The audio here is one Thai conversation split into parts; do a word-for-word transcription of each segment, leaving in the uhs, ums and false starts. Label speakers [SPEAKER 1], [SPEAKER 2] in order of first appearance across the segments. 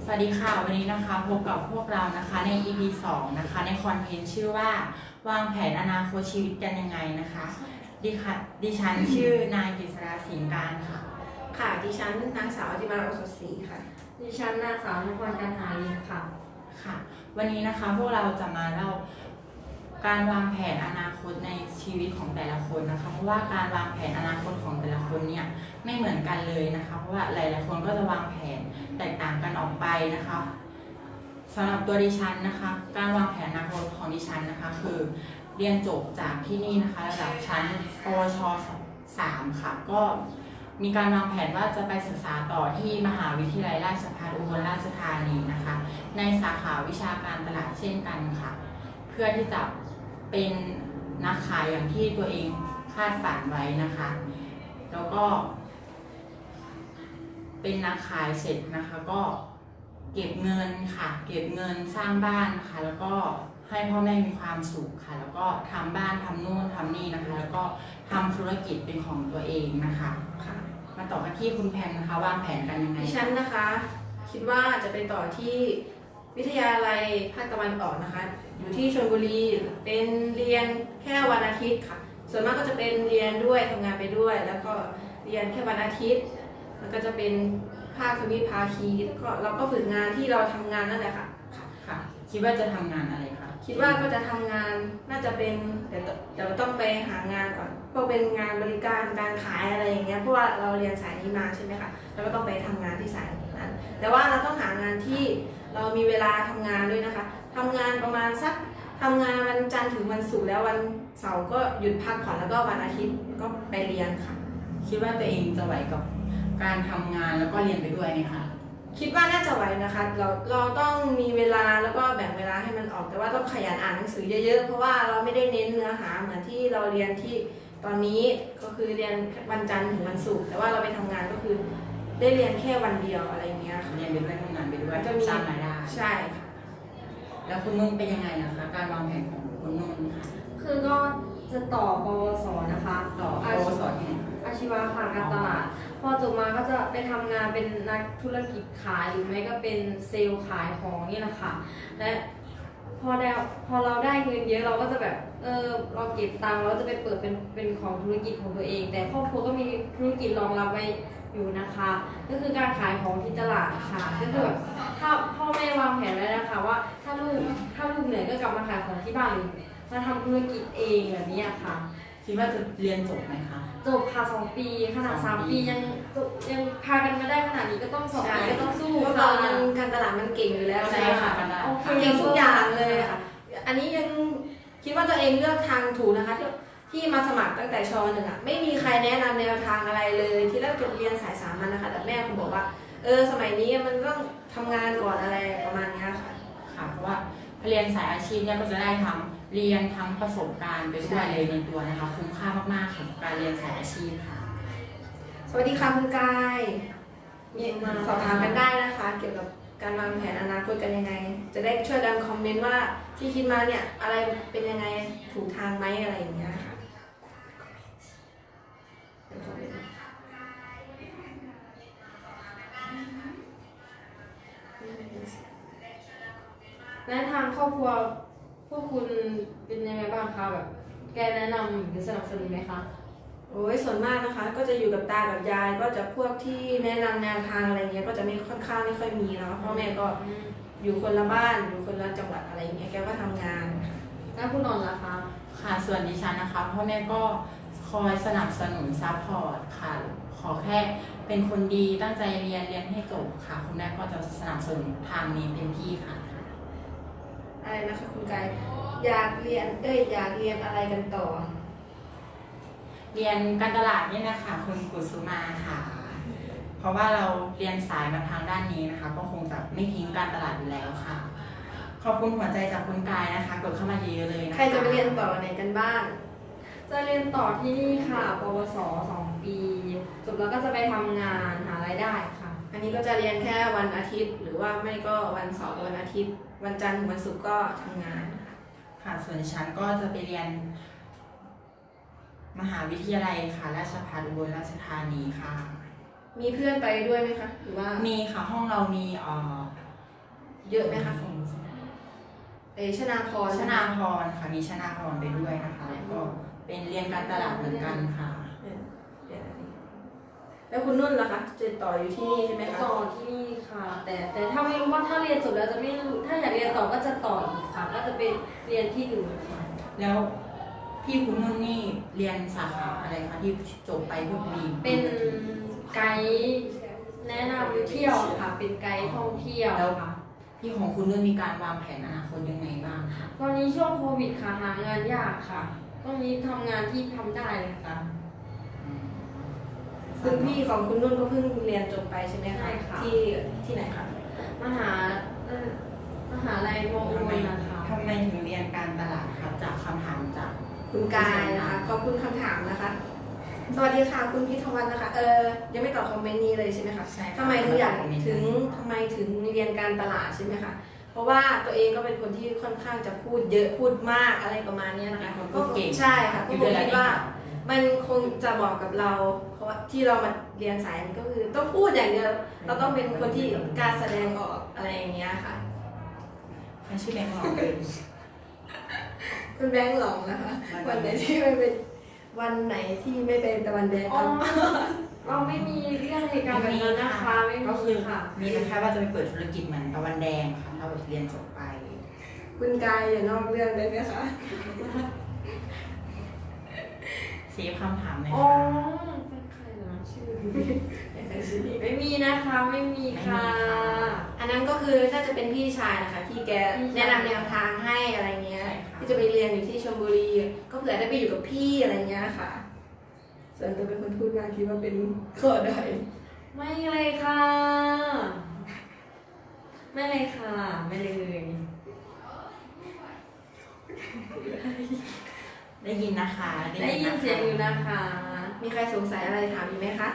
[SPEAKER 1] สวัสดีค่ะวันนี้นะคะพบกับพวกเรานะคะใน อี พี สองนะคะในคอนเทนต์ชื่อว่าวางแผนอนาคตชีวิตกันยังไงนะคะดิค่ะดิฉันชื่อนายกฤษราสิงห์การค่ะ
[SPEAKER 2] ค่ะดิฉันนางสาวอธิมาโอสถศรีค่ะ
[SPEAKER 3] ดิฉันนางสาวนพรกันหาลินค่ะ
[SPEAKER 1] ค่ะวันนี้นะคะพวกเราจะมาเล่าการวางแผนอนาคตในชีวิตของแต่ละคนนะคะเพราะว่าการวางแผนอนาคตของแต่ละคนเนี่ยไม่เหมือนกันเลยนะคะเพราะว่าหลายๆคนก็จะวางแผนแตกต่างกันออกไปนะคะสำหรับตัวดิฉันนะคะการวางแผนอนาคตของดิฉันนะคะคือเรียนจบจากที่นี่นะคะระดับชั้นปวชสามค่ะก็มีการวางแผนว่าจะไปศึกษาต่อที่มหาวิทยาลัยราชภัฏอุบลราชธานีนะคะในสาขาวิชาการตลาดเช่นกันค่ะเพื่อที่จะเป็นนักขายอย่างที่ตัวเองคาดฝันไว้นะคะแล้วก็เป็นนักขายเสร็จนะคะก็เก็บเงินค่ะเก็บเงินสร้างบ้านนะคะแล้วก็ให้พ่อแม่มีความสุขค่ะแล้วก็ทำบ้านทำนู่นทำนี่นะคะแล้วก็ทำธุรกิจเป็นของตัวเองนะคะค่ะมาต่อกันที่คุณแพมนะคะวางแผนกันยังไง
[SPEAKER 2] ดิฉันนะคะคิดว่าจะไปต่อที่วิทยาลัยภาคตะวันออกนะคะอยู่ที่ชลบุรีเป็นเรียนแค่วันอาทิตย์ค่ะส่วนมากก็จะเป็นเรียนด้วยทำงานไปด้วยแล้วก็เรียนแค่วันอาทิตย์แล้วก็จะเป็นภาควิภาคีก็เราก็ฝึกงานที่เราทำงานนั่นแหละค่ะ
[SPEAKER 1] ค่ะคิดว่าจะทำงานอะไรคะ
[SPEAKER 2] คิดว่าก็จะทำงานน่าจะเป็นเดี๋ยวเดี๋ยวต้องไปหางานก่อนพวกเป็นงานบริการการขายอะไรอย่างเงี้ยเพราะว่าเราเรียนสายนี้มาใช่ไหมคะเราก็ต้องไปทำงานที่สายนั้นแต่ว่าเราต้องหางานที่เรามีเวลาทำงานด้วยนะคะทำงานประมาณสักทำงานวันจันทร์ถึงวันศุกร์แล้ววันเสาร์ก็หยุดพักผ่อนแล้วก็วันอาทิตย์ก็ไปเรียนค่ะ
[SPEAKER 1] คิดว่าตัวเองจะไหวกับการทำงานแล้วก็เรียนไปด้วยไหมคะ
[SPEAKER 2] คิดว่าน่าจะไหวนะคะเราเราต้องมีเวลาแล้วก็แบ่งเวลาให้มันออกแต่ว่าต้องขยันอ่านหนังสือเยอะๆเพราะว่าเราไม่ได้เน้นเนื้อหาเหมือนที่เราเรียนที่ตอนนี้ก็คือเรียนวันจันทร์ถึงวันศุกร์แต่ว่าเราไปทำงานก็คือได้เรียนแค่วันเดียวอะไรเงี้ยค่ะ
[SPEAKER 1] เรียนไปด้วยทำงานไปด้วย
[SPEAKER 2] ก็มี
[SPEAKER 1] สร้างรายได้
[SPEAKER 2] ใช่ค่ะ
[SPEAKER 1] แล้วคุณนุ่นเป็นยังไงนะคะการวางแผนของคุณนุ่นค่ะ
[SPEAKER 3] คือก็จะต่อปวสนะคะ
[SPEAKER 1] ต่อปวสที่ไหน
[SPEAKER 3] อาชีวะค่ะการตลาดพอจบมาก็จะไปทำงานเป็นนักธุรกิจขายหรือไม่ก็เป็นเซลล์ขายของนี่แหละค่ะและพอได้พอเราได้เงินเยอะเราก็จะแบบเออเราเก็บตังค์เราจะไปเปิดเป็นเป็นของธุรกิจของตัวเอง แต่ครอบครัวก็มีธุรกิจรองรับไว้อยู่นะคะก็คือการขายของที่ตลาดค่ะก็คือแบบถ้าพ่อแม่วางแผนไว้นะคะว่าถ้าลูกถ้าลูกเหนื่อยก็กลับมาขายของที่บ้านหรือมาทำธุรกิจเองแบบนี้ค่ะ
[SPEAKER 1] คิดว่าจะเรียนจบไหมคะ
[SPEAKER 3] จบค่ะสองปีขนาดสามปียังยังพากันมาได้ขนาดนี้ก็ต้องสองปีก็ต้องสู้
[SPEAKER 2] เพราะเรายังการตลาดมันเก่งอยู่แล้ว
[SPEAKER 1] ใช่ค่ะ
[SPEAKER 2] เก่งทุกอย่างเลยค่ะอันนี้ยังคิดว่าตัวเองเลือกทางถูกนะคะที่ที่มาสมัครตั้งแต่ชหนึ่งอ่ะไม่มีใครแนะนำแนวทางอะไรเลยที่แรกจะเรียนสายสามัญนะคะแต่แม่ผมบอกว่าเออสมัยนี้มันต้องทำงานก่อนอะไรประมาณนี้ค่ะ
[SPEAKER 1] ค่ะเพราะว่าเรียนสายอาชีพเนี่ยก็จะได้ทั้งเรียนทั้งประสบการณ์ไปด้วยเลยในตัวนะคะคุ้มค่ามากๆค่ะการเรียนสายอาชีพค่ะ
[SPEAKER 2] สวัสดีค่ะคุณกายมีมาสอบถามกันได้นะคะเกี่ยวกับการวางแผนอนาคตกันยังไงจะได้ช่วยกันคอมเมนต์ว่าที่คิดมาเนี่ยอะไรเป็นยังไงถูกทางไหมอะไรอย่างเงี้ยค่ะ
[SPEAKER 3] และทางครอบครัวพวกคุณเป็นยังไงบ้างคะแบบแกแนะนำหรือสนับสนุนไหมคะ
[SPEAKER 2] โอ้ยส่วนมากนะคะก็จะอยู่กับตากับยายก็จะพวกที่แนะนำแนวทางอะไรเงี้ยก็จะไม่ค่อนข้างไม่ค่อยมีแล้วพ่อแม่ก็อยู่คนละบ้านอยู่คนละจังหวัดอะไรเงี้ยแกก็ทำงาน
[SPEAKER 3] แล้วคุณนนท์ล่ะคะ
[SPEAKER 1] ค่ะส่วนดิฉันนะคะพ่อแม่ก็คอยสนับสนุนซัพพอร์ตค่ะขอแค่เป็นคนดีตั้งใจเรียนเรียนให้จบค่ะคุณแม่ก็จะสนับสนุนทางนี้เต็มที่ค่ะ
[SPEAKER 2] อะไรนะคะคุณกายอยากเรียนเอ้ยอยากเรียนอะไรกันต่อ
[SPEAKER 1] เรียนการตลาดนี่นะคะคุณกุสุมาค่ะเพราะว่าเราเรียนสายมาทางด้านนี้นะคะก็คงจะไม่ทิ้งการตลาดอยู่แล้วค่ะขอบคุณหัวใจจากคุณกายนะคะกดเข้ามาเยอะๆเลยนะคะ
[SPEAKER 2] ใครจะไปเรียนต่อไหนกันบ้าง
[SPEAKER 3] จะเรียนต่อที่นี่ค่ะปวสสองปีจบแล้วก็จะไปทำงานหารายได้ค่ะ
[SPEAKER 2] อันนี้ก็จะเรียนแค่วันอาทิตย์หรือว่าไม่ก็วันเสาร์วันอาทิตย์วันจันทร์ถึงวันศุกร์ก็ทำงาน
[SPEAKER 1] ค่ะส่วนฉันก็จะไปเรียนมหาวิทยาลัยค่ะราชภัฏอุบลราชธานีค่ะ
[SPEAKER 2] มีเพื่อนไปด้วยไหมคะหรือว่า
[SPEAKER 1] มีค่ะห้องเรามีเอ่อ
[SPEAKER 2] เยอะไหมคะของเอชนาพร
[SPEAKER 1] ชนาพรค่ะมีชนาพรไปด้วยนะคะแล้วก็เป็นเรียนการตลาดเหมือนกันค่ะ
[SPEAKER 2] เออเดี๋ยวนะแล้วคุณนุ่นล่ะคะจะต่ออยู่ที่นี่ใช่ไหมคะ
[SPEAKER 3] ต่อที่นี่ค่ะ แต่แต่ถ้าไม่รู้ว่าถ้าเรียนจบแล้วจะไม่รู้ถ้าอยากเรียนต่อก็จะต่ออีกค่ะ ก็จะเป็นเรียนที่อื่นค่ะ
[SPEAKER 1] แล้วพี่คุณนุ่นนี่เรียนสาขาอะไรคะที่จบไปพวกบี
[SPEAKER 3] เป็นไกด์แนะนำเที่ยวค่ะ เป็นไกด์ท่องเที่ยวค่ะ
[SPEAKER 1] พี่ของคุณนุ่นมีการวางแผนอนาคตยังไงบ้างคะ
[SPEAKER 3] ตอนนี้ช่วงโควิดค่ะหางานยากค่ะตอนนี้ทำงานที่ทำได้เลยค่ะ
[SPEAKER 2] คุณพี่ของคุณนุ่นก็เพิ่งเรียนจบไปใช่ไหม
[SPEAKER 3] ใช่
[SPEAKER 2] คะ
[SPEAKER 3] ค่ะ
[SPEAKER 2] ที่ที่ไหนคะ
[SPEAKER 3] มหาเอ่อมหาลัยมอ
[SPEAKER 1] ทำไม
[SPEAKER 3] อุนะคะ
[SPEAKER 1] ทำไมถึงเรียนการตลาดครับจากคำถามจาก
[SPEAKER 2] คุณกายนะคะขอบคุณคำถามนะคะ สวัสดีค่ะคุณพิทวัฒน์นะคะ เออยังไม่ตอบคอมเมนต์นี้เลยใช่ไหมคะ
[SPEAKER 1] ใช่ค่ะ
[SPEAKER 2] ทำไมถึงอยากถึงทำไมถึงเรียนการตลาดใช่ไหมคะเพราะว่าตัวเองก็เป็นคนที่ค่อนข้างจะพูดเยอะพูดมากอะไรประมาณเนี้ยนะคะ
[SPEAKER 1] เป็นคนพูดเก่ง
[SPEAKER 2] ใช่ค่ะ
[SPEAKER 1] อ
[SPEAKER 2] ก็
[SPEAKER 1] ยู่
[SPEAKER 2] ผ
[SPEAKER 1] เว
[SPEAKER 2] ม
[SPEAKER 1] ลา
[SPEAKER 2] คิด
[SPEAKER 1] นี้
[SPEAKER 2] ว่า มันคงจะเหมาะกับเรา เพราะว่าที่เรามาเรียนสายนี้ก็คือต้องพูดอย่างเดียวเราต้องเป็นคนที่กล้าแสดงออกอะไรอย่างเงี้ยค่ะ
[SPEAKER 1] ใครชื่อแบงค์หรอเป็น
[SPEAKER 2] คุณแบงค์หลงนะคะ
[SPEAKER 1] วั
[SPEAKER 2] วัน
[SPEAKER 1] น
[SPEAKER 2] ไห
[SPEAKER 1] ไห
[SPEAKER 2] น
[SPEAKER 1] น
[SPEAKER 2] ที่ไม่เป็นวันไหนที่ไม่เป็นตะวันแดง
[SPEAKER 3] อ๋อ
[SPEAKER 2] ครับ
[SPEAKER 3] เราไม่มีเรื่องเหตุการณ์แบบนั้นนะคะไม่
[SPEAKER 1] ก็
[SPEAKER 3] มี
[SPEAKER 1] คือ
[SPEAKER 3] ค่ะ
[SPEAKER 1] มีแต่แค่ว่าจะไปเปิดธุรกิจเหมือนตะวันแดงค่ะถ้าเรียนจบไป
[SPEAKER 2] คุณกายอย่านอกเรื่องได้ไหมคะ
[SPEAKER 1] เซฟคำถามเลย
[SPEAKER 3] อ๋อ
[SPEAKER 1] ค่ะ
[SPEAKER 3] เป็นใครนะชื่อ
[SPEAKER 2] อย่าใครชื่อนี้
[SPEAKER 3] ไม่มีนะคะ ไม่มีค่ะ
[SPEAKER 2] อันนั้นก็คือน่าจะเป็นพี่ชายนะคะ ที่แก
[SPEAKER 3] พี่ชาย
[SPEAKER 2] แนะนำแนวทางให้อะไรเงี้ย
[SPEAKER 1] ใช่ค่ะ
[SPEAKER 2] ที่จะไปเรียนอยู่ที่ชลบุรี ก็เผื่อได้ไปอยู่กับพี่อะไรเงี้ยค่ะ ส่วนตัวเป็นคนพูดมากคิดว่าเป็นข้อด้อย
[SPEAKER 3] ไม่เลยค่ะ ไม่เลยค่ะ ไม่เลย
[SPEAKER 1] ได้ยินนะคะ
[SPEAKER 3] ได้ยินเสียงอยู่นะคะ
[SPEAKER 2] มีใครสงสัยอะไรถามอีกไหมคะ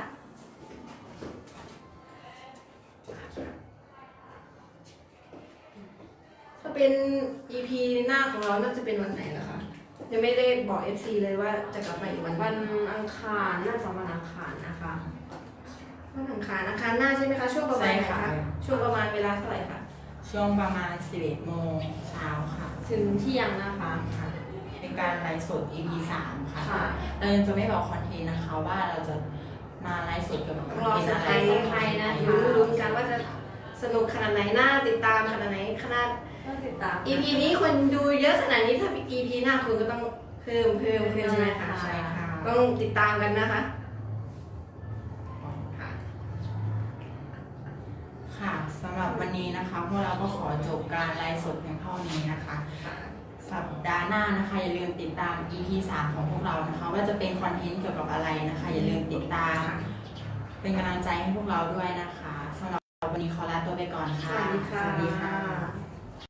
[SPEAKER 2] ถ้าเป็น อี พี หน้าของเราน่าจะเป็นวันไหนล่ะคะยังไม่ได้บอก เอฟ ซี เลยว่าจะกลับมาอีกวัน
[SPEAKER 3] วันอังคารน่าจะวันอังคารนะคะ
[SPEAKER 2] วันอังคารอังคารหน้าใช่ไหมคะ ช่วงประมาณไหนคะช่วงประมาณเวลาเท่าไหร่คะ
[SPEAKER 1] ช่วงประมาณสิบเอ็ดโมงเช้าค่ะ
[SPEAKER 3] ถึงเที่ยงนะคะ
[SPEAKER 1] ค่ะ เป็นการไลฟ์สด อี พี สามค่ะ
[SPEAKER 3] ค่ะ
[SPEAKER 1] เรายังจะไม่บอกคอนเทนต์นะคะว่าเราจะมาไลฟ์สดเกี่ยวกับคอน
[SPEAKER 2] รอ
[SPEAKER 1] เทน
[SPEAKER 2] ส
[SPEAKER 1] ต์อะ
[SPEAKER 2] ไต
[SPEAKER 1] ไร
[SPEAKER 2] ล์
[SPEAKER 1] สัก
[SPEAKER 2] ไทยนะ
[SPEAKER 1] ค
[SPEAKER 2] ลุ้นๆกันว่าจะสนุกขนาดไหนน่าติดตามขนาดไหนขนาด
[SPEAKER 3] ก็ติดตาม
[SPEAKER 2] อี พี นี้คนดูเยอะขนาดนี้ถ้า อี พี หน้าคุณก็ต้องเพิ่มเพิ่มเพิ่มใช่ไหมคะ
[SPEAKER 1] ใช่ค่ะ
[SPEAKER 2] ต้องติดตามกันนะคะค่ะ
[SPEAKER 1] ค่ะสำหรับวันนี้นะคะพวกเราก็ขอจบการไลฟ์สดเพียงเท่านี้นะคะ สัปดาห์หน้านะคะอย่าลืมติดตาม อี พี สามของพวกเรานะคะ ว่าจะเป็นคอนเทนต์เกี่ยวกับอะไรนะคะ อย่าลืมติดตาม เป็นกำลังใจให้พวกเราด้วยนะคะสำหรับวันนี้ขอลาตัวไปก่อนค่ะ
[SPEAKER 2] สวัสดีค่ะ
[SPEAKER 1] สวัสดีค่ะ